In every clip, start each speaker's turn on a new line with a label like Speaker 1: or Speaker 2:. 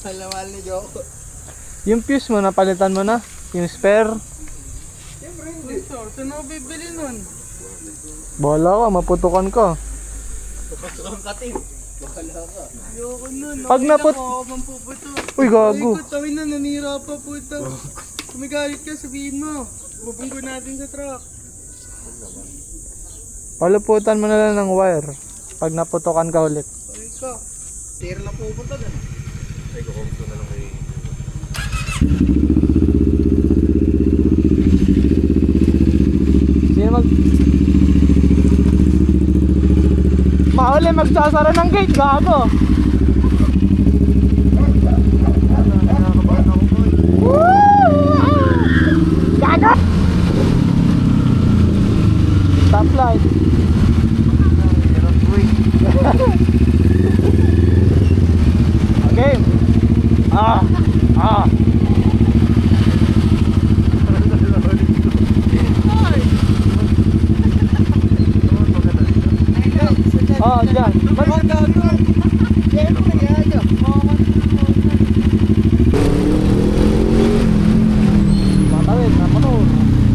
Speaker 1: Malamal ni Joko.
Speaker 2: Yung fuse mo, napalitan mo na? Yung spare?
Speaker 1: Siyempre hindi. Saan ako bibili nun?
Speaker 2: Bahala ka, maputukan ka.
Speaker 1: Papasukan ka, Tim. Bahala ka. Ayoko nun.
Speaker 2: Pag naput...
Speaker 1: Ako mampuputo.
Speaker 2: Uy, gago.
Speaker 1: Ay, tawin na, nanira pa puto. Kumigalit ka, sabihin mo. Bubunggo natin sa truck.
Speaker 2: Paluputan mo na lang ng wire. Pag naputukan ka ulit.
Speaker 1: Ay ka. Tira na pupunta dun.
Speaker 3: Ay, kukumto na lang kay...
Speaker 2: Sino Mauli magsasara ng gate, gago. Gago! Stoplight. Okay. Diyan. Matawid, namanod.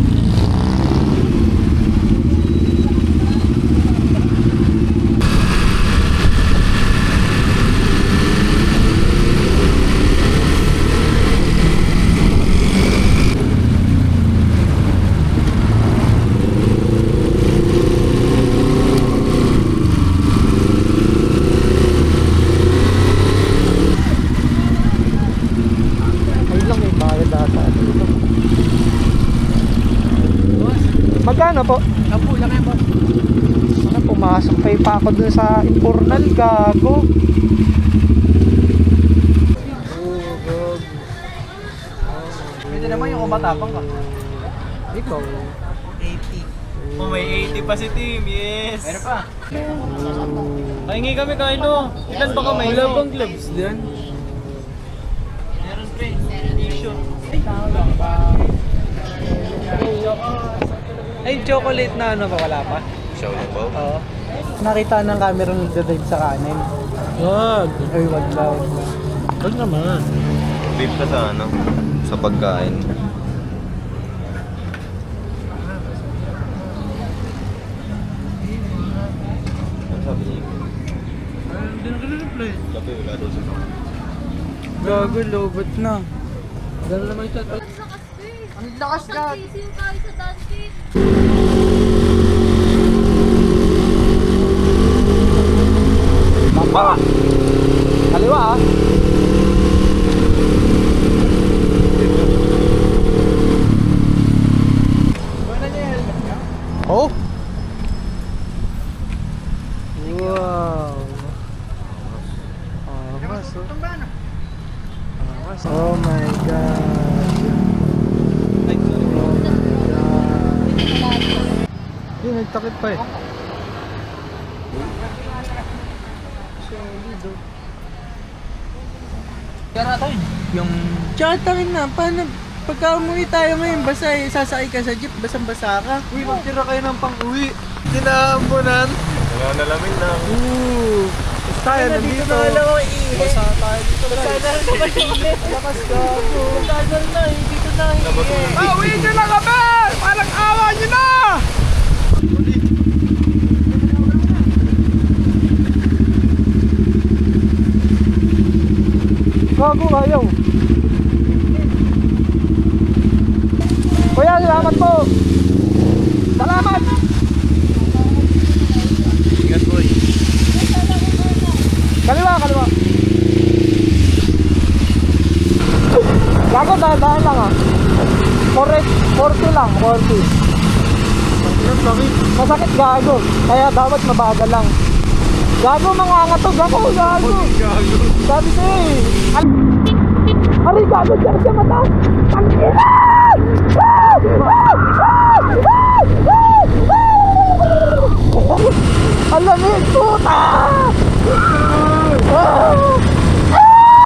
Speaker 2: Magkano po?
Speaker 1: Napu lang yan, boss.
Speaker 2: Ano, pumasok pa ako dun sa Impurnal, gago.
Speaker 1: Pwede naman yung kumatapang ka.
Speaker 2: Ikaw.
Speaker 1: 80.
Speaker 3: Oh, may 80 pa si Tim, yes!
Speaker 1: Meron pa.
Speaker 3: Pahingi kami kaino. Ilan ba kami?
Speaker 1: Wala bang gloves dyan?
Speaker 3: Meron pre. T-shirt.
Speaker 2: Ay, chocolate na ano pa, wala pa?
Speaker 3: Show na po?
Speaker 2: Oo. Nakita ng camera nagdadrive sa kanin.
Speaker 3: Wag!
Speaker 2: Ay, wag daw.
Speaker 3: Wag naman. Beef ka sa ano? Sa pagkain. Ano sabi niya?
Speaker 1: Hindi na ka-reply.
Speaker 3: Kape wala daw sa mga.
Speaker 1: Gago, lobot na. Gano'n naman siya.
Speaker 4: Ang lakas ka! Sisiw tayo sa Dante.
Speaker 2: Baba! Kaliwa ah! Oh! Wow! Angas oh. Angas. Oh my God!
Speaker 3: Ay, sorry.
Speaker 2: Hindi, nagtakip pa eh.
Speaker 1: Kaya tayo.
Speaker 2: Yung...
Speaker 1: Tsaka rin na, paano? Pagka umuwi tayo ngayon, basta sasakay ka sa jeep, basang-basa ka.
Speaker 2: Uy, magtira kayo ng pang-uwi. Tinaambunan.
Speaker 3: Wala nalamin na.
Speaker 2: Tapos tayo nandito. Basa tayo dito. Basa na rin naman init. Lakas gago.
Speaker 1: Tagal na, dito na.
Speaker 2: Pauwi nyo na kami! Parang awa nyo na! Gago, ayaw. Kuya, salamat po. Salamat!
Speaker 3: Ingat boy.
Speaker 2: Kaliwa, kaliwa. Gago, dahan lang ah. 40 lang, 40. Masakit gago. Kaya dapat mabagal lang. Gago, mga angat to. Gago, gago. Sabi ko eh. Aray, gago, dyan sa mata. Tangin!